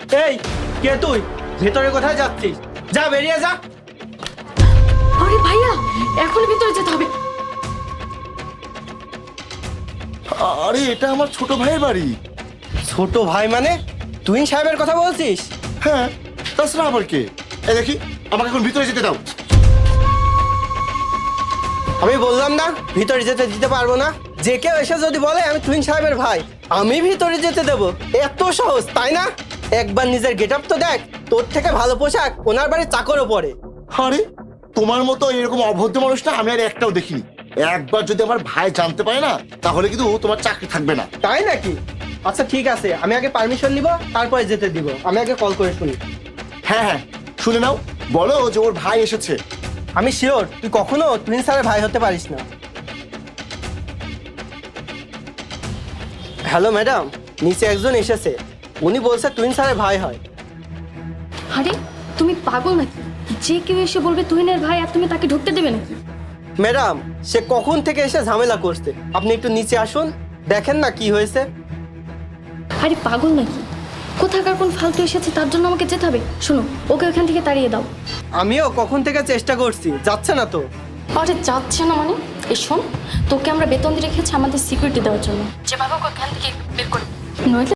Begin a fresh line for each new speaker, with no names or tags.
এই কে তুই? ভেতরে কোথায় যাচ্ছিস? যা বেরিয়ে যা।
আরে ভাইয়া, এখন ভিতরে যেতে হবে।
আরে এটা আমার ছোট ভাইয়ের বাড়ি।
ছোট ভাই মানে? তুই সাহেবের কথা বলছিস?
হ্যাঁ, তাছাড়া আবার কে? এই দেখি, আমাকে এখন ভিতরে যেতে দাও।
আমি বললাম না ভিতরে যেতে দিতে পারবো না। যে কেউ এসে যদি বলে আমি তুহিন সাহেবের ভাই, আমি ভিতরে যেতে দেবো? এত সহজ তাই না? একবার নিজের গেটআপ তো দেখ, তোর থেকে ভালো পোশাক ওনার বাড়ির চাকরও পরে।
আরে তোমার মতো এরকম অভদ্র মানুষটা আমি আর একটাও দেখিনি। একবার যদি আমার ভাই জানতে পারে না, তাহলে কিন্তু তোমার চাকরি থাকবে না।
তাই নাকি? আচ্ছা ঠিক আছে, আমি আগে পারমিশন নিব, তারপরে যেতে দিব। আমি আগে কল করে শুনি।
হ্যাঁ হ্যাঁ, শুনে নাও, বলো যে ওর ভাই এসেছে।
আমি শিওর তুই কখনো তুহিন স্যারের ভাই হতে পারিস না। হ্যালো ম্যাডাম, নিচে একজন এসেছে, উনি বলছে তুহিন স্যারের ভাই হয়।
আরে তুমি পাগল নাকি? যে কেউ এসে বলবে তুহিনের ভাই আর তুমি তাকে ঢুকতে দেবে নাকি?
ম্যাডাম, সে কখন থেকে এসে ঝামেলা করছে, আপনি একটু নিচে আসুন, দেখেন না কি হয়েছে।
আরে পাগল নাকি? কোথাকার কোন ফালতু এসেছে তার জন্য আমাকে যেতে হবে? শোনো, ওকে ওখান থেকে তাড়িয়ে দাও।
আমিও কখন থেকে চেষ্টা করছি, যাচ্ছে না তো।
আরে যাচ্ছে না মানে? এই শোন, তোকে আমরা বেতন দিয়ে রেখেছি আমাদের সিকিউরিটি দেওয়ার জন্য, যেভাবে ওকে ওখান থেকে বের করে নইলে